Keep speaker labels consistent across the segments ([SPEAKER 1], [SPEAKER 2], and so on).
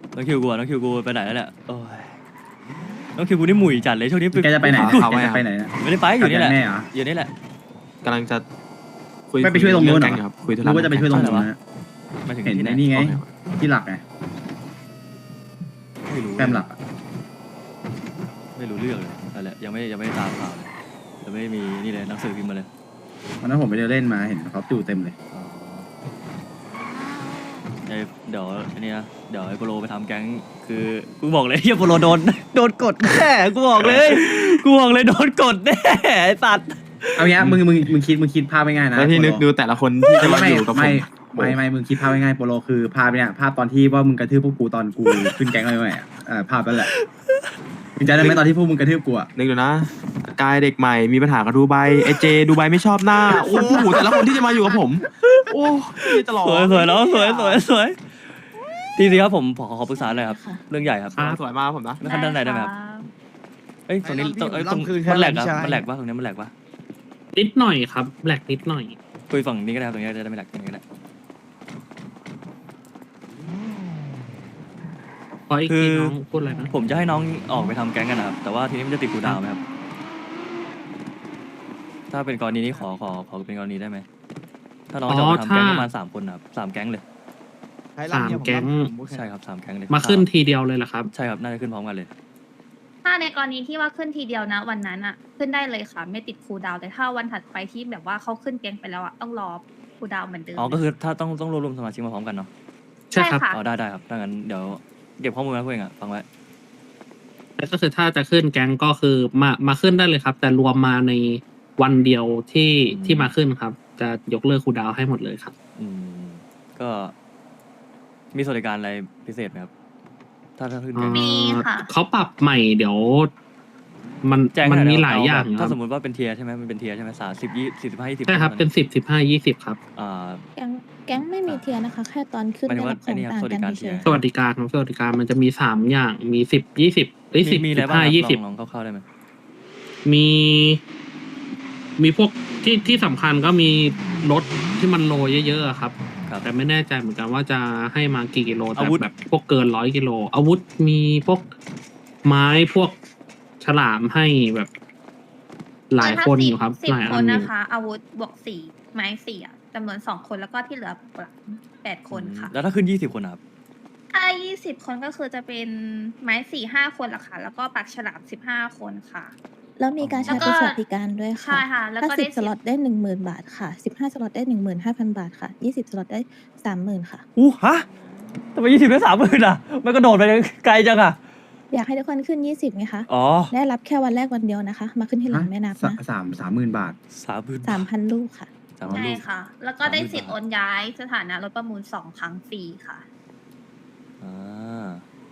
[SPEAKER 1] น้องคิวกูอะน้องคิวกูไปไหนแล้วเนี่ยโอ้ยน้องคิวกูนี่หมุ่ยจัดเลยช่วงนี้
[SPEAKER 2] แกจะไปไหน
[SPEAKER 1] กู
[SPEAKER 2] แกจะไปไหน
[SPEAKER 1] ไม่ได้ไปอยู่นี่แหละ
[SPEAKER 2] แม่เหรอ
[SPEAKER 1] อยู่นี่แหละ
[SPEAKER 3] กำลังจะคุย
[SPEAKER 2] ไม่ไปช่วยตรงนู้นเหรอ
[SPEAKER 3] แก๊ครับคุยธุ
[SPEAKER 2] รู้
[SPEAKER 3] ระ
[SPEAKER 2] ว่าจะไปช่วยตรงนู้นนะ
[SPEAKER 1] มาถึง
[SPEAKER 2] เห็น
[SPEAKER 1] ที่ไหน
[SPEAKER 2] ในนี่ไง ที่หลักไง
[SPEAKER 1] ไม่รู้
[SPEAKER 2] แฟมหลักอะ
[SPEAKER 1] ไม่รู้เรื่องเลยนั่นแหละยังไม่ได้ตามข่าวเลยยังไม่มีนี่เลยหนังสือพิมพ์มาเลย
[SPEAKER 2] วันนั้นผมไปเดินเล่นมาเห็นเขาจู่เต็มเลย
[SPEAKER 1] อ๋อเดี๋ยวอันนี้นะเดี๋ยวไอ้โปโลไปทำแก๊งคือกูบอกเลยเฮียโปโลโดนกดแน่กูบอกเลยโดนกดแน่ไอ้สัตว์
[SPEAKER 2] เอางี้มึงคิดภาพไม่ง่ายนะ
[SPEAKER 3] แล้วที่นึกดูแต่ละคนที่จะมาอยู่กับผม
[SPEAKER 2] ไม่มึงคิดภาพง่ายๆโปโลคือภาพเนี่ยภาพตอนที่ว่ามึงกระทืบพวกกูตอนกูขึ้นแก๊งอะไรใหม่ภาพนั่นแหละมึงจำได้ไหมตอนที่พวกมึงกระทืบกูอะ
[SPEAKER 3] นึกดูนะกายเด็กใหม่มีปัญหากับดูไบไอเจดูไบไม่ชอบหน้าโอ้โหแต่ละคนที่จะมาอยู่กับผม โอ้ยตลอด
[SPEAKER 1] สวยแล้วสวยทีสิครับผมขอปรึกษาหน่อยครับเรื่องใหญ่ครับ
[SPEAKER 3] สวยมากผมนะ
[SPEAKER 1] แล้วขั้นด้านไหนได้ไหมครับเอ้ยตรงนี้ตรงมันแหลกครับมันแหลกปะตรงนี้มันแหลกปะ
[SPEAKER 4] นิดหน่อยครับแหลกนิดหน่อย
[SPEAKER 1] คุยฝั่งนี้ก็ได้ครับตรงนี้จะได้ไม่แหลกตรงนี้ก็ได้
[SPEAKER 4] ขออีกทีน้องพูดอะไรนะ
[SPEAKER 1] ผมจะให้น้องออกไปทำแก๊งกันนะครับแต่ว่าทีนี้มันจะติดกูดาวไหมครับถ้าเป็นกรณีนี้ขอเป็นกรณีได้ไหมถ้าน้องจะออกไปทำแก๊งประมาณ3 คนนะครับ3 แก๊งเลย
[SPEAKER 4] 3 แก๊ง
[SPEAKER 1] ใช่ครับ3 แก๊งเลย
[SPEAKER 4] มาขึ้นทีเดียวเลยเหรอครับ
[SPEAKER 1] ใช่ครับน่าจะขึ้นพร้อมกันเลย
[SPEAKER 5] ถ้าในกรณีที่ว่าขึ้นทีเดียวนะวันนั้นอะขึ้นได้เลยค่ะไม่ติดคูลดาวน์แต่ถ้าวันถัดไปที่แบบว่าเขาขึ้นแกงไปแล้วอะต้องรอคูลดาวน์เหมือนเดิม
[SPEAKER 1] อ๋อก็คือถ้าต้องรวบรวมสมาชิกมาพร้อมกันเนาะ
[SPEAKER 4] ใช่ครับ
[SPEAKER 5] ค่ะ
[SPEAKER 1] อ๋อได้ครับถ้างั้นเดี๋ยวเก็บข้อมูลไว้เพื่อนฟังไว้
[SPEAKER 4] แล้วก็คือถ้าจะขึ้นแก๊งก็คือมาขึ้นได้เลยครับ แต่รวมมาในวันเดียวที่มาขึ้นครับ จะยกเลิกคูลดาวน์ให้หมดเลยครับ
[SPEAKER 1] ก็มีสวัสดิการอะไรพิเศษไหมครับถ้าขึ้นแก๊ง
[SPEAKER 5] มีค่ะ
[SPEAKER 4] เขาปรับใหม่เดี๋ยว มัน
[SPEAKER 1] แจ้ง
[SPEAKER 4] มัน
[SPEAKER 1] ให้
[SPEAKER 4] มี
[SPEAKER 1] น่
[SPEAKER 4] หลายอย่างค
[SPEAKER 1] ถ้า
[SPEAKER 4] รับ
[SPEAKER 1] สมมติว่าเป็นเทียร์ใช่ไหมมันเป็นเทียร์ใช่ไหม30 20 45 20
[SPEAKER 4] ใช่ครับเป็น10 15 20ครับ
[SPEAKER 6] แก๊งไม่มีเทียร์นะคะ แค่ตอนขึ้น
[SPEAKER 1] หมายถึ
[SPEAKER 6] ได้
[SPEAKER 1] งว่า
[SPEAKER 6] รับของ
[SPEAKER 1] ไอ้นี่ครับ
[SPEAKER 6] ต่างกัน
[SPEAKER 1] สวัสดิการเที
[SPEAKER 6] เฉ
[SPEAKER 1] ยร์
[SPEAKER 6] ย
[SPEAKER 4] สวัสดิการครับสวัสดิการมันจะมี3อย่างมี10 20หรือ10
[SPEAKER 1] มีอะไรบ้าง
[SPEAKER 4] 15
[SPEAKER 1] ครับ
[SPEAKER 4] 20
[SPEAKER 1] ลองเข้าๆได้ไหม
[SPEAKER 4] มีพวกที่สำคัญก็มีรถที่มันโลเยอะๆอะครับ
[SPEAKER 1] ครับ
[SPEAKER 4] แต่ไม่แน่ใจเหมือนกันว่าจะให้มากี่กิโลแต่
[SPEAKER 1] อาวุธ
[SPEAKER 4] แบบพวกเกิน100 กิโลอาวุธมีพวกไม้พวกฉลามให้แบบหลายคนอยู่ครับ
[SPEAKER 5] สิบ
[SPEAKER 4] หลาย
[SPEAKER 5] ค
[SPEAKER 4] อั
[SPEAKER 5] น
[SPEAKER 4] นอยู่
[SPEAKER 5] นะคะ อาวุธบวก4ไม้4อะจำนวน2 คนแล้วก็ที่เหลือ8 คนค่ะ
[SPEAKER 1] แล้วถ้าขึ้น20 คนนะครับ
[SPEAKER 5] ถ้า20 คนก็คือจะเป็นไม้4-5 คนละค่ะ แล้วก็ปักฉลาม15 คนค่ะ
[SPEAKER 6] แล้วมีการใช้
[SPEAKER 5] แล้วก็
[SPEAKER 6] เป็นสวัสดิการด้วย
[SPEAKER 5] ใช่
[SPEAKER 6] ค่ะ
[SPEAKER 5] ค่ะ แล้ว
[SPEAKER 6] ถ้า
[SPEAKER 5] ก็ได้
[SPEAKER 6] 10 สล็อตได้ 10,000 บาทค่ะ 15 สล็อตได้ 15,000 บาทค่ะ 20 สล็อตได้ 30,000 ค่ะ
[SPEAKER 1] ฮะทำไม20ได้30,000อ่ะมันก็โดดไปไกลจังอ่ะ
[SPEAKER 6] อยากให้ทุกคนขึ้น 20ไงคะ
[SPEAKER 1] อ๋อ
[SPEAKER 6] ได้รับแค่วันแรกวันเดียวนะคะ มาขึ้นที่หลังไม่นับนะ
[SPEAKER 2] 30,000 บาท
[SPEAKER 1] 30,000
[SPEAKER 6] 3,000 ลูกค่ะ
[SPEAKER 1] 3,000
[SPEAKER 5] ใช่
[SPEAKER 1] ลูก
[SPEAKER 5] ค่ะ แล้วก็ได้
[SPEAKER 1] 30,000
[SPEAKER 5] สิทธิ์โอนย้ายสถานะรถประมูล2 ครั้งฟรีค่ะ
[SPEAKER 1] อ่า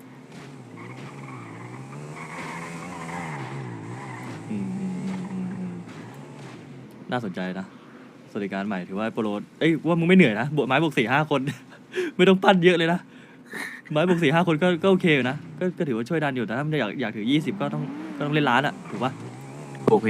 [SPEAKER 1] น่าสนใจนะสวัสดิการใหม่ถือว่าโปรโลว่ามึงไม่เหนื่อยนะไม้บวก4-5 คน ไม่ต้องปั้นเยอะเลยนะไม้บวก4-5 คนก็โอเคอยู่นะก็ถือว่าช่วยดันอยู่แต่ถ้ามันอยากถือ20ก็ต้องเล่นล้านอ่ะถูกปะ
[SPEAKER 3] โอเค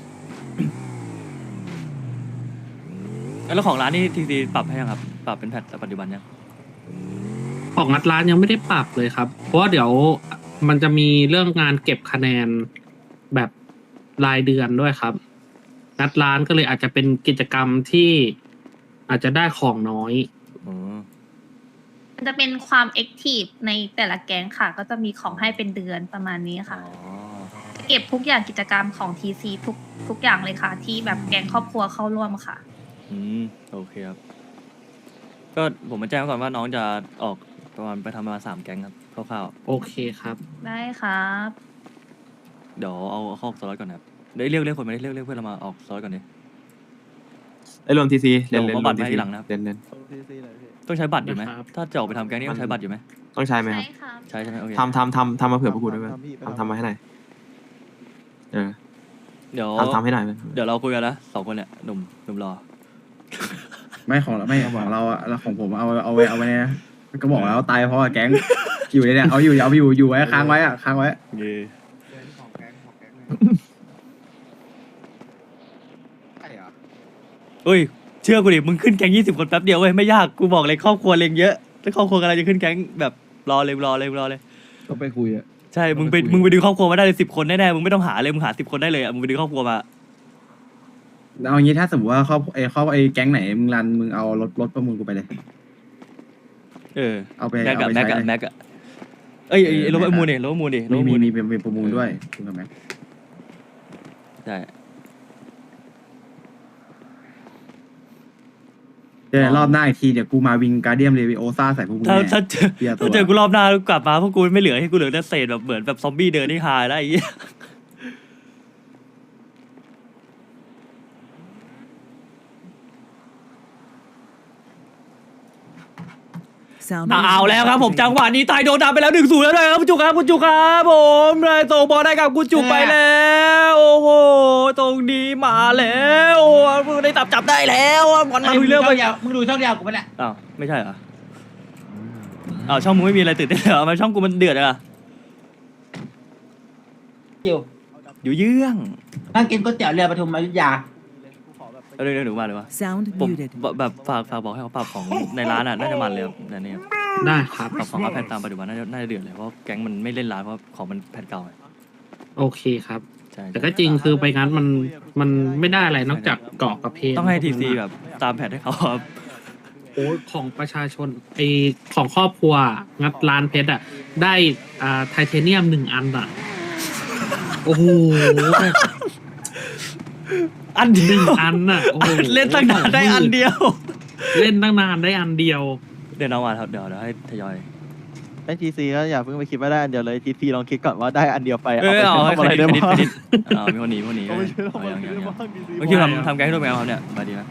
[SPEAKER 1] แล้วของร้านนี่ทีซีปรับให้ยังครับปรับเป็นแพทปัจจุบันยัง
[SPEAKER 4] ของงัดร้านยังไม่ได้ปรับเลยครับ เพราะว่าเดี๋ยวมันจะมีเรื่องงานเก็บคะแนนแบบรายเดือนด้วยครับงัดร้านก็เลยอาจจะเป็นกิจกรรมที่อาจจะได้ของน้อย
[SPEAKER 1] อ๋อ
[SPEAKER 5] มันจะเป็นความแอคทีฟในแต่ละแก๊งค่ะ ก็จะมีของให้เป็นเดือนประมาณนี้ค่ะ เก็บทุกอย่างกิจกรรมของ TC ทุกอย่างเลยค่ะ ที่แบบแก๊งครอบครัวเข้าร่วมค่ะ
[SPEAKER 1] โอเคครับก็ผมมาแจ้งไว้ก่อนว่าน้องจะออกประมาณไปทำประมาณ3 แก๊งครับคร่าว
[SPEAKER 4] โอเคครับ
[SPEAKER 5] ได้ครับ
[SPEAKER 1] ๆเดี๋ยวเอาเข้าสล็อตก่อนนะครับเดี๋ยวเรียกคนมาเรียกเพื่อนเรามาออกสล็อตก่อนดิ
[SPEAKER 3] ไอ้รวมทีซี
[SPEAKER 1] เดี๋ยวผมเอาบัตรมาให้ทีหลังนะครับ
[SPEAKER 3] เล่น
[SPEAKER 1] ต้องใช้บัตรอยู่ไหม
[SPEAKER 4] นะครับ
[SPEAKER 1] ถ้าจะออกไปทำแก๊งนี่ต้องใช้บัตรอยู่ไหม
[SPEAKER 3] ต้องใช้ไหมครับ
[SPEAKER 5] ใช่ครับ
[SPEAKER 1] ใช่ไหมโอเค
[SPEAKER 3] ทำมาเผื่อพวกกูด้วยไหมทำมาให้หน่อยเ
[SPEAKER 1] เดี๋ยว
[SPEAKER 3] ทำให้หน่อยไหม
[SPEAKER 1] เดี๋ยวเราคุยกันนะ2 คนเนี่ยหนุ่มรอ
[SPEAKER 2] ไม่ของเราอะแล้วของผมเอาไว้เนี่ยก็บอกแล้วตายเพราะว่าแก๊งอยู่เนี่ยเอาอยู่ไว้ค้างไว้ค้างไว้
[SPEAKER 1] เย่เอ้ยเชื่อกูดิมึงขึ้นแก๊ง20 คนแป๊บเดียวเว้ยไม่ยากกูบอกเลยครอบครัวเล็งเยอะแล้วครอบครัวกำลังจะขึ้นแก๊งแบบรอเลยรอเลยรอเลย
[SPEAKER 2] ต้องไปคุยอะ
[SPEAKER 1] ใช่มึงไปดึงครอบครัวมาได้เลย10 คนแน่ๆมึงไม่ต้องหาเลยมึงหา10 คนได้เลยอ่ะมึงไปดึงครอบครัวมา
[SPEAKER 2] เอางี้ถ้าสมมติว่าครอบแก๊งไหนมึงรันมึงเอารถประมูลกูไปเลย
[SPEAKER 1] เออ
[SPEAKER 2] เอาไป
[SPEAKER 1] แม็กกับ
[SPEAKER 2] เอาไป
[SPEAKER 1] แม็ก
[SPEAKER 2] ใช้
[SPEAKER 1] กับ
[SPEAKER 2] เลย
[SPEAKER 1] แม็กอะเอ้ยรถประมูลดิรถประมูลดิรถประมูล
[SPEAKER 2] มีเป็นประมูลด้วยถูกไหม
[SPEAKER 1] ใช่
[SPEAKER 2] เดี๋ยวรอบหน้าอีกทีเดี๋ยวกูมาวิงการเดียมเรวิโอซ่าใส่พวกมึง
[SPEAKER 1] ถ้า
[SPEAKER 2] แน่
[SPEAKER 1] ถ้าเจอ
[SPEAKER 2] เบียร์ตัว
[SPEAKER 1] ถ้าเจอกูรอบหน้ากลับมาพวกกูไม่เหลือให้กูเหลือแต่เศษแบบเหมือนแบบซอมบี้เดินที่หายแล้วไอ้เหี้ย เอาแล้วครับผมจังหวะนี้ตายโดนดำไปแล้ว1-0แล้วเลยครับคุณจุกครับคุณจุกครับผมเลยส่งบอลได้กับคุณจุกไปแล้วโอ้โหตรงนี้มาแล้วมึงได้จับได้แล้วบอลมาลุยเรื่องไป
[SPEAKER 7] มึงดูช่องเดียวกูไปแหละ
[SPEAKER 1] อ้าวไม่ใช่เหรออ้าวช่องมึงไม่มีอะไรตื่นเต้นเหรอทำไมช่องกูมันเดือดอะ อยู่เยื่อง
[SPEAKER 7] นั่งกินก๋วยเตี๋ยวเรือปทุมอยุธยา
[SPEAKER 1] เอาเรื่องหนูมาเลยวะ
[SPEAKER 8] Sound
[SPEAKER 1] ผม
[SPEAKER 8] muted.
[SPEAKER 1] แบบฝากบอกให้เขาปรับของในร้านอ่ะน่าจะมันเลยครับแต่เนี่ย
[SPEAKER 4] ได้ครับ
[SPEAKER 1] ปรับของอัพแพทตามปัจจุบันน่าจะเดือดเลยเพราะแก๊งมันไม่เล่นร้านเพราะของมันแพทเก่าไง
[SPEAKER 4] โอเคครับ
[SPEAKER 1] ใช่
[SPEAKER 4] แต่ก็จริงคือไปงั้นมันไม่ได้อะไรนอกจากเกาะกับเพล
[SPEAKER 1] ต้องให้ทีซีแบบตามแพทให้เขาครับ
[SPEAKER 4] โอ้ของประชาชนไอของครอบครัวงัดร้านเพชรอ่ะได้ไทเทเนียม1 อันอ่ะโอ้โห
[SPEAKER 1] อันเดียว
[SPEAKER 4] อันน่ะโอ้โห
[SPEAKER 1] เล่นตั้งนานได้อันเดียว
[SPEAKER 4] เล่นตั้งนานได้อันเดียว
[SPEAKER 1] เดี๋ยวน้องมาครับเดี๋ยวให้ทยอย
[SPEAKER 3] ไอ้ทีซีก็อย่าเพิ่งไปคิดว่าได้อันเดียวเลยทีซีลองคิดก่อนว่าได้อันเดียวไป
[SPEAKER 1] เออเอาให้
[SPEAKER 3] ไป
[SPEAKER 1] เครดิต
[SPEAKER 3] ได้
[SPEAKER 1] เครดิต
[SPEAKER 3] บ้าง
[SPEAKER 1] เครดิตมีคนหนี
[SPEAKER 3] เอาไปช่วยเรา
[SPEAKER 1] เอาอย่าง
[SPEAKER 3] ไปช่วยเราบ้าง
[SPEAKER 1] เมื่อกี้ทำแก๊งให้ด้วยไหมครับเนี่ยมาดีไหม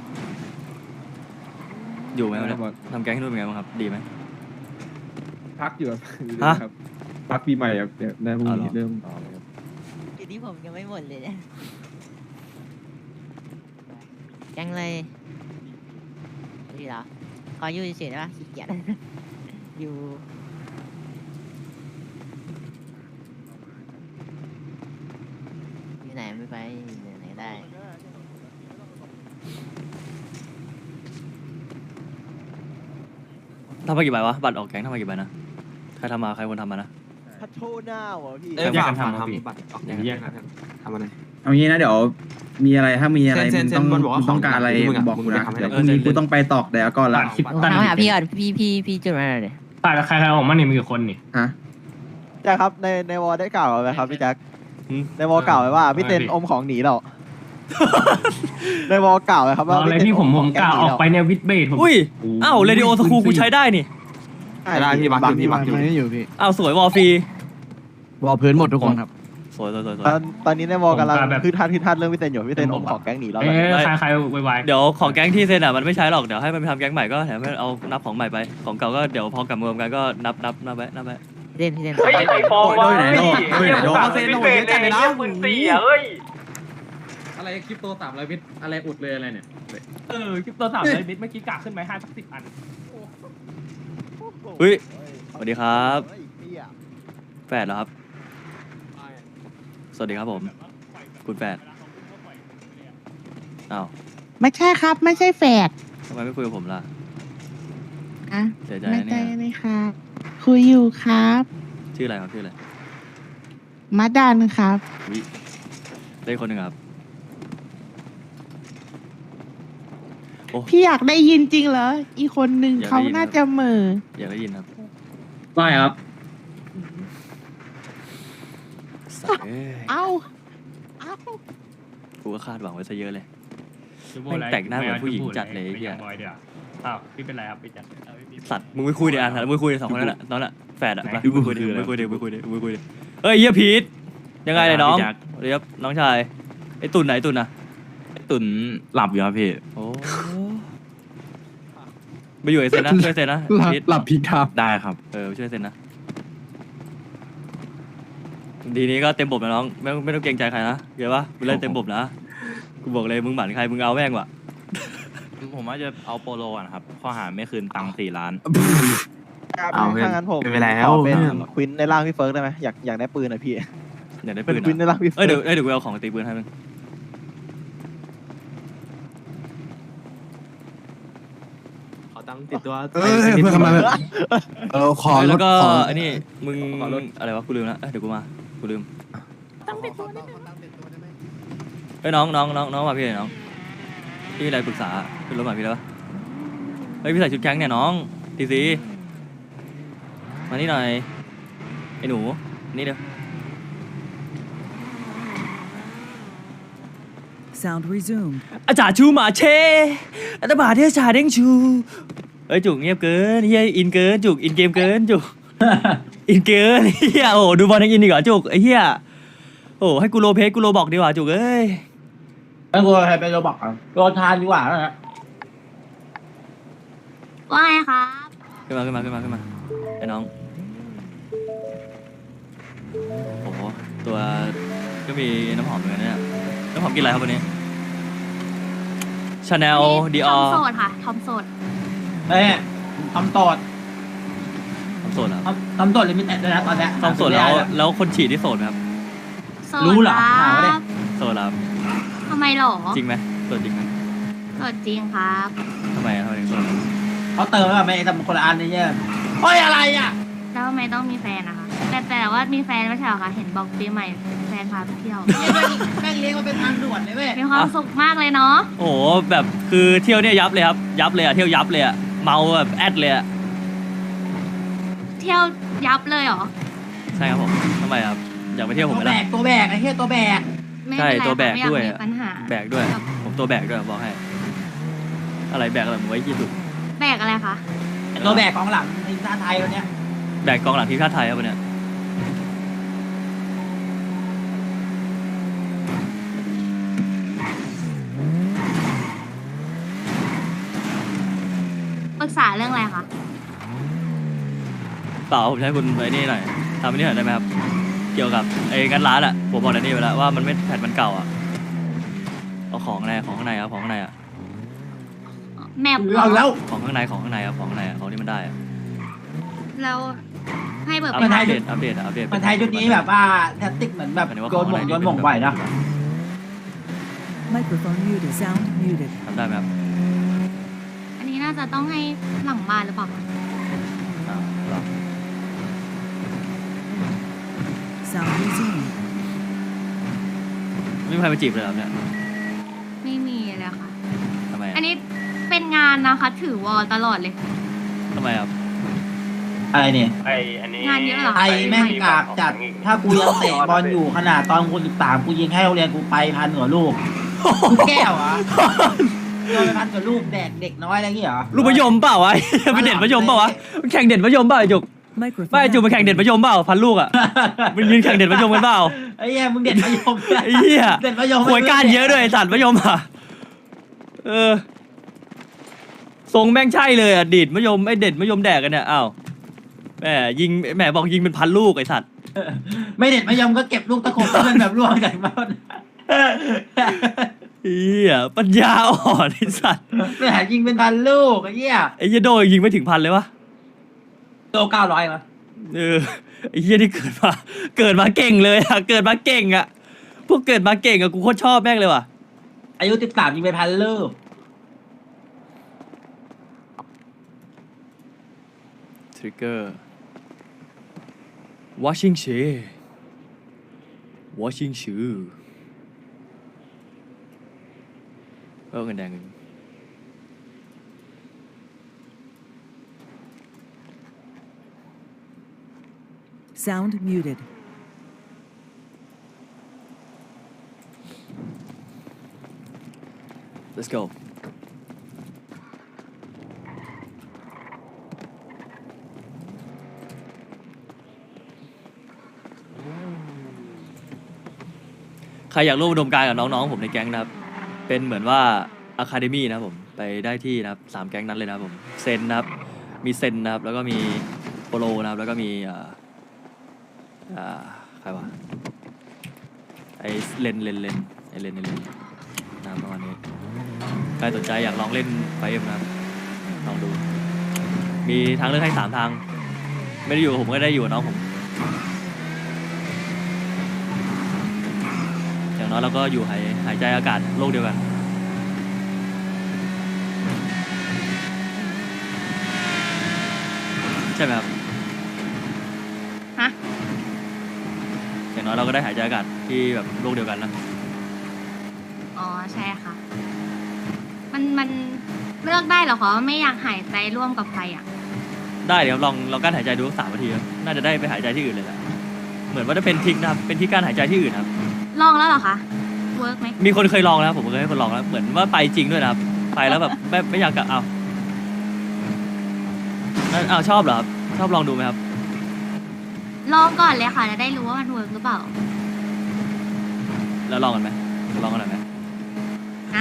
[SPEAKER 1] อยู่ไหมเนี่ยทำแก๊งให้ด้วยไหมครับดีไหม
[SPEAKER 2] พักอยู่
[SPEAKER 1] ฮะ
[SPEAKER 2] ครับพักปีใหม่ครับเดี๋ยวได้พรุ่งนี้เริ่ม
[SPEAKER 8] ทีนี้ผมยังไม่หมดเลยเนี่ยยังเลยดีเหรอขออยู่เฉยๆได้ปะขี้เกียจ อยู่อยู่ไหนไม่ไปอยู่ไหนก็ได้
[SPEAKER 1] ทำมากี่ใบวะบัตรออกแก๊งทำมากี่ใบนะใครทำมาใครคนทำมานะ
[SPEAKER 3] พัดโชว์หน้าวะพี่
[SPEAKER 1] เอ้ย
[SPEAKER 3] ฝาก
[SPEAKER 1] แยกกันทำครับพี่
[SPEAKER 3] บัตรออกแยกกันทำอะไร
[SPEAKER 2] เอางี้นะเดี๋ยวมีอะไรถ้ามีอะไร
[SPEAKER 3] เซ็
[SPEAKER 2] มึ
[SPEAKER 3] น
[SPEAKER 2] ง
[SPEAKER 3] เซ็น
[SPEAKER 2] ต้อง
[SPEAKER 3] บอลบอกว่า
[SPEAKER 2] มึงต้องการอะไร
[SPEAKER 3] ของมึงอะ
[SPEAKER 2] บอกกู
[SPEAKER 3] มึง
[SPEAKER 2] นะ
[SPEAKER 3] ไปทำให้
[SPEAKER 2] เดี๋ยวพรุ่งนี้กูต้องไปตอกเดี๋ยวก่อนละ
[SPEAKER 8] ถามหาพี่ก่อนพี่จุดมาหน่อยดิ
[SPEAKER 7] ตายกับใครออกมาเนี่ยมีกี่คนนี่
[SPEAKER 2] ฮะ
[SPEAKER 3] แจ็คครับในวอลได้กล่าวไว้ครับพี่แจ็ค
[SPEAKER 1] หืม
[SPEAKER 3] ในวอลกล่าวไว้ว่าพี่เต้นอมของหนีเรา ในวอลกล่าวไว้ครับว่า
[SPEAKER 7] อะไรพี่ผมกล้าออกไปเนี่ยวิดเบสผม
[SPEAKER 1] อุ้ยอ้าวเรดิโอสคูลกูใช้ได้นี่
[SPEAKER 3] ได้พี่บักอยู่พี่บักอยู่
[SPEAKER 1] อ้าวสวยวอลฟรี
[SPEAKER 2] วอลพื้นหมดทุกคนครับ
[SPEAKER 1] สวย
[SPEAKER 3] ตอนนี้ในวอลกำลังคือทัดเรื่องพี่เต้นอยู่พี่เต้นอมของแก๊งหนีเรา
[SPEAKER 7] เอ๊ะใครไว
[SPEAKER 1] เดี๋ยวของแก๊งที่เซ็นอ่ะมันไม่ใช้หรอกเดี๋ยวให้มันไปทำแก๊งใหม่ก็แถมให้เอานับของใหม่ไปของเก่าก็เดี๋ยวพอกลับมารวมกันก็นับไว้
[SPEAKER 8] พี่เต้น
[SPEAKER 2] โอ้ยโดยไหนโดยไหนโด
[SPEAKER 3] เซ็นโหเยอะจัดเลยนะ
[SPEAKER 2] อะไรคริปโต300บิตอะไรอุดเลยอะไรเนี่ย
[SPEAKER 7] คลิปตัว300 บิตเมื่อกี้กะขึ้นไหม5 สัก 10 อัน
[SPEAKER 1] เฮ้ยสวัสดีครับแฟดเหรอครับสวัสดีครับผมคุณแฟดอ้าว
[SPEAKER 9] ไม่ใช่ครับ ไม่ใช่แฝด
[SPEAKER 1] ทำไมไม่คุยกับผมล่ะ
[SPEAKER 9] อ่ะ
[SPEAKER 1] เสียใจ
[SPEAKER 9] ไม่
[SPEAKER 1] นะ
[SPEAKER 9] ใช่
[SPEAKER 1] เนี่ย
[SPEAKER 9] เลยครับคุยอยู่ครับ
[SPEAKER 1] ชื่ออะไรครับชื่ออะไร
[SPEAKER 9] มาดันครับ
[SPEAKER 1] วิได้คนหนึ่งครับโอ้
[SPEAKER 9] พี่อยากได้ยินจริงเหรอ อีกคนนึง
[SPEAKER 1] อยากได้
[SPEAKER 9] เขา
[SPEAKER 1] ยิน
[SPEAKER 9] น่าจะเหม่อ
[SPEAKER 1] อยากได้ยินครับ
[SPEAKER 2] ได้ครับ
[SPEAKER 1] สัตว์เอ้ย
[SPEAKER 9] เอ้า เอ้า
[SPEAKER 1] กูก็คาดหวังไว้ซะเยอะเลย แม่งแต่งหน้าเหมือนผู้หญิงจัดเลยไอ้เหี้ย
[SPEAKER 7] อ้าวพี่เป็นไรครับพี่จัด
[SPEAKER 1] สัตว์มึงไปคุยเดี๋ยวอ่ะมึงไปคุยเดี๋ยวสองคนนั่นแหละตอนนั้นแฟดอ่ะ
[SPEAKER 7] ไหน
[SPEAKER 1] ไปคุยเดี๋ยวไปคุยเดี๋ยวเฮ้ยเฮียพีทยังไงเลยน้องเดี๋ยวน้องชายไอ้ตุ่นไหนตุ่นนะ
[SPEAKER 3] ตุนหลับอยู่ครับพี่
[SPEAKER 1] โอ้ไปอยู่ไอเซนนะช่วยเซนนะพีท
[SPEAKER 2] หลับพีทับ
[SPEAKER 3] ได้ครับ
[SPEAKER 1] ช่วยเซนนะทีนี้ก็เต็มบบนะน้องไม่ต้องเกรงใจใครนะเดี๋ยวปะมึงเล่นเต็มบบนะกูบอกเลยมึงหมั่นใครมึงเอาแม่งว่ะ
[SPEAKER 10] ผมว่าจะเอาโปโลก่อนครับ ข้อหาไม่คืนตังค์4 ล้าน
[SPEAKER 3] เอาถ้างั้นผมไม่เป็นไรแล้ว ขอเป็นควินในร่างพี่เฟิร์กได้ไหมอยากได้ปืนหน่อยพี่
[SPEAKER 1] อยากได้
[SPEAKER 3] เป็
[SPEAKER 1] ปื
[SPEAKER 3] น
[SPEAKER 1] น
[SPEAKER 3] ควินใน
[SPEAKER 1] อ่ะ
[SPEAKER 3] ร่างพี่เฟิร์ก
[SPEAKER 1] เดี๋ยวกูเอาของตีปืนให้มึง
[SPEAKER 3] ขอตังค์ติดตัว
[SPEAKER 11] เพื่อนทำไมขอร
[SPEAKER 1] แล้
[SPEAKER 11] ถ
[SPEAKER 1] วก็
[SPEAKER 11] ขอ
[SPEAKER 1] อันนี้มึงอะไรวะกูลืมละเดี๋ยวกูมากูลืม
[SPEAKER 6] ต้องติดตัวนิดนึง
[SPEAKER 1] เฮ้ยน้องมาพี่หน่อยน้องพี่มีอะไรปรึกษาขึ้นรถมาพี่แล้วปะเฮ้ยพี่ใส่ชุดแก๊งเนี่ยน้องทีซีมานี่หน่อยไอ้หนูนี่เดี๋ยว
[SPEAKER 12] Sound resumed.
[SPEAKER 1] อาจารย์ชูหมาเชอาจารย์บาเทชาเด้งชูเฮ้ยจุกเงียบเกินเฮียอินเกินจุกอินเกมเกินจุก อินเกินเฮียโอ้ดูบอลยังอินอีกเหรอจุกไอ้เฮียโอ้ให้กูโลเพสกูโลบอกดีกว่าจุกเอ้ย
[SPEAKER 2] แล้วกูให้ไปโรบอกอ่ะโรทานดีกว่านะ
[SPEAKER 5] ว่าไงครับ
[SPEAKER 1] ขึ้นมาไอ้น้องโอ้โหตัวก็มีน้ำหอมเหมือนกันเนี่ยน้ำหอมกินอะไรครับวันนี้ชาแนลดีอ
[SPEAKER 5] ท
[SPEAKER 1] อ
[SPEAKER 5] อม
[SPEAKER 1] ร์
[SPEAKER 5] โสดค่ะทอมโสด
[SPEAKER 2] เอ้ยทำตอด
[SPEAKER 1] ทำโสดเหรอ
[SPEAKER 2] ทำตอดลิมิเต็ดด้วยนะตอนเนี้ย
[SPEAKER 1] ทำโสดแล้วคนฉีดที่โสดไหมครับ
[SPEAKER 5] โสด
[SPEAKER 2] รู้เหรอ
[SPEAKER 5] ค
[SPEAKER 2] ถามมาดิ
[SPEAKER 5] รับ
[SPEAKER 1] โสดแล้ว
[SPEAKER 5] ทำไมหรอ
[SPEAKER 1] จริงไหมโสดจริงไหม
[SPEAKER 5] โสดจริงครับ
[SPEAKER 1] ทำไมถึงโสด
[SPEAKER 2] เขาเติมแล้วไม่ทำคนละอันนี่เนี่ยเฮ้ยอะไรอ่ะ
[SPEAKER 5] แล้วทำไมต้องมีแฟนนะคะ แต่ว่ามีแฟนไม่ใช่เหรอคะเห็นบอกปีใหม่แฟนพาไปเที่ยว
[SPEAKER 2] แม่งเลี้ยงมันเป็นทางด่วนเลยเว้ย
[SPEAKER 5] มีความสุขมากเลยเนาะ
[SPEAKER 1] โอ้โหแบบคือเที่ยวเนี่ยยับเลยครับยับเลยอะเที่ยวยับเลยอะเมาแบบแอดเลยอะ
[SPEAKER 5] เที่ยวยับเลยเหรอ
[SPEAKER 1] ใช่ครับผมทำไมครับอยากไปเที่ยวผม
[SPEAKER 2] ตัว
[SPEAKER 1] ไหม
[SPEAKER 2] แบ
[SPEAKER 1] ล่ะ
[SPEAKER 2] กตัวแบกไอ้เหี้ยตัวแบก
[SPEAKER 5] ไม่
[SPEAKER 1] ใช่
[SPEAKER 5] เป็นไร
[SPEAKER 1] ตัวแบก
[SPEAKER 5] ค่ะไม่อยา
[SPEAKER 1] ด้วย
[SPEAKER 5] มี
[SPEAKER 1] อะ
[SPEAKER 5] ปัญหา
[SPEAKER 1] แบกด้วยผมตัวแบกด้วยบอกให้อะไรแบกอะไรผมไว้ยี่สุด
[SPEAKER 5] แบกอะไรคะ
[SPEAKER 2] ตัวแบกของหลังทีมชาติไทยวันเนี้ย
[SPEAKER 1] แบกกองหลังทีมชาติไทยครับวันเนี้ย
[SPEAKER 5] ปรึกษาเรื่องอะไรคะ
[SPEAKER 1] เปล่าผมจะให้คุณไอ้นี่หน่อยทำไอ้นี่หน่อยได้ไหมครับเกี่ยวกับไอ้งานร้านอะผมบอกไอ้นี่ไปแล้วว่ามันไม่แผ่นมันเก่าอะเอาของอะไรของข้างในครับของข้างในอะ
[SPEAKER 5] แมป
[SPEAKER 2] เอาแล้ว
[SPEAKER 1] ของข้างในครับของข้างในอะของที่มันได้อะ
[SPEAKER 5] แล้วให้เบิก
[SPEAKER 1] อัป
[SPEAKER 5] ไป
[SPEAKER 1] เด
[SPEAKER 5] ค่ะ
[SPEAKER 1] ตอัปเดตอัปเดต
[SPEAKER 2] มันไทยชุดนี้แบบว่าแทคติกเหมือนแบบ
[SPEAKER 1] หมายถึงว่า
[SPEAKER 2] โยนหม่ง
[SPEAKER 1] ของ
[SPEAKER 2] โย
[SPEAKER 1] ข้าง
[SPEAKER 2] น
[SPEAKER 1] ใน
[SPEAKER 2] หม่งไหวนะ
[SPEAKER 12] Microphone muted. Sound muted.
[SPEAKER 1] ทำได้ไหมครับ
[SPEAKER 5] อันนี้น่าจะต้องให้หลังบ้านหรือเปล่าคะ
[SPEAKER 1] เหรอ
[SPEAKER 12] Sound resumed.
[SPEAKER 1] ไม่มีใครมาจีบเลยเหรอเนี่ย
[SPEAKER 5] ไม่มีเลยค่ะ
[SPEAKER 1] ทำไม
[SPEAKER 5] อันนี้เป็นงานนะคะ ถือวอลตลอดเลย
[SPEAKER 1] ทำไมครับ
[SPEAKER 2] อะไรเนี่ย
[SPEAKER 5] งานเยอะเหรอ
[SPEAKER 2] ไทยแม่งกากจัด ถ้ากูยังเตะบอลอยู่ขนาดตอนกู13กูยิงให้โรงเรียนกูไป1,000กว่าลูกกูแก้วเหรอโดนไป1,000กว่าลูกแดกเด็กน้อยอะไรอย่างเงี้ยเหรอ
[SPEAKER 1] ลูกมะยมเปล่าวะ ไปเด็ดมะยมเปล่าวะแข่งเด็ดมะยมเปล่าไอ้จุก
[SPEAKER 12] Microphone.
[SPEAKER 1] ไม่ไอ้จุกมาแข่งเด็ดมะยมเปล่าพันลูกอ่ะมันยืนแข่งเด็ดมะยมกันเปล่า
[SPEAKER 2] ไอ้เหี้ยมึงเด็ดมะยม
[SPEAKER 1] ไอ้เหี้ย
[SPEAKER 2] เด็ดมะยม
[SPEAKER 1] หวยก้านเยอะด้วยไอ้สัตว์มะยมอ่ะทรงแม่งใช่เลยอ่ะดีดมะยมไอ้เด็ดมะยมแดกกันเนี่ยอ้าวแหมยิงแหมบอกยิงเป็นพันลูกไอ้สัตว์
[SPEAKER 2] ไม่เด็ดมะยมก็เก็บลูกตะขบเพื่อนแบบล่วงจากบ้าน
[SPEAKER 1] เหี้ยปัญญาอ่อนไอ้สัตว์
[SPEAKER 2] ไม่หายิงเป็น1,000ลูกไอ้เหี้ย
[SPEAKER 1] ไอ้เหี้ยโดยยิงไม่ถึงพันเลยวะ
[SPEAKER 2] โต900มั้ย
[SPEAKER 1] ไอ้เหี้ยที่เกิดมาเก่งเลยอะเกิดมาเก่งอะพวกเกิดมาเก่งอะกูโคตรชอบแม่งเลยว่ะ
[SPEAKER 2] อายุ13ยิงไป1,000ลูก
[SPEAKER 1] ทริกเกอร์ washing shoe washing shoe เงินแดงเงิน
[SPEAKER 12] Sound muted.
[SPEAKER 1] let's go ใครอยากร่วมอุดมการณ์กับน้องๆผมในแก๊งนะครับ เป็นเหมือนว่าอะคาเดมี่นะครับผมไปได้ที่นะครับ3แก๊งนั้นเลยนะครับผมเซนนะครับมีเซนนะครับแล้วก็มีโปโลนะครับแล้วก็มีใครวะไอเลนนะครับประมาณนี้ใครสนใจอยากลองเล่นไฟเอ็มนะครับลองดูมีทางเลือกให้3ทางไม่ได้อยู่กับผมก็ได้อยู่กับน้องผมอย่างน้อยเราก็อยู่หายใจอากาศโลกเดียวกันใช่ไหมครับ
[SPEAKER 5] ฮะ
[SPEAKER 1] อย่างน้อยเราก็ได้หายใจอากาศที่แบบโลกเดียวกันนะ
[SPEAKER 5] อ๋อใช่ค่ะ มันเลือกได้เหรอคะว่าไม่อยากหายใจร่วมกับใครอ่ะ
[SPEAKER 1] ได้เดี๋ยวลองกั้นหายใจดูสัก3 นาทีครับน่าจะได้ไปหายใจที่อื่นเลยแหละเหมือนว่าจะเป็นทิกนะครับเป็นที่กั้นหายใจที่อื่นครับ
[SPEAKER 5] ลองแล้วเหรอคะ เวิร์กไหม
[SPEAKER 1] มีคนเคยลองแล้วผมเคยให้คนลองแล้วเหมือนว่าไปจริงด้วยนะครับไปแล้วแบบไม่อยากกลับเอาชอบเหรอครับชอบลองดูไหมครับ
[SPEAKER 5] ลองก่อนเลยค่ะจะได้รู้ว่ามันเวิร์กหรือเปล่า
[SPEAKER 1] แล้วลองกันไหมลองกันหน่อยไหม
[SPEAKER 5] ฮะ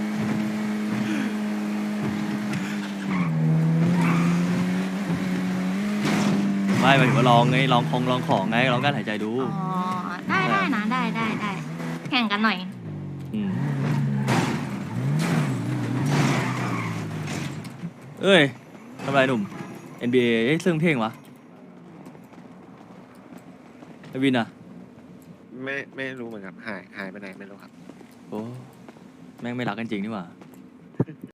[SPEAKER 1] ไม่หมายถึงว่าลองไงลองของไงลองกั้นหายใจดู
[SPEAKER 5] อ๋อ ได้นะได้แข่งกันหน่อย
[SPEAKER 1] มเอ้ยทำไรหนุ่ม NBA เอ้ยซึ่งเพลงวะไอวินอะ
[SPEAKER 13] ไม่รู้เหมือนกันหายไปไหนไม่รู้ครับ
[SPEAKER 1] โอ้แม่งไม่รักกันจริงนี่หว่า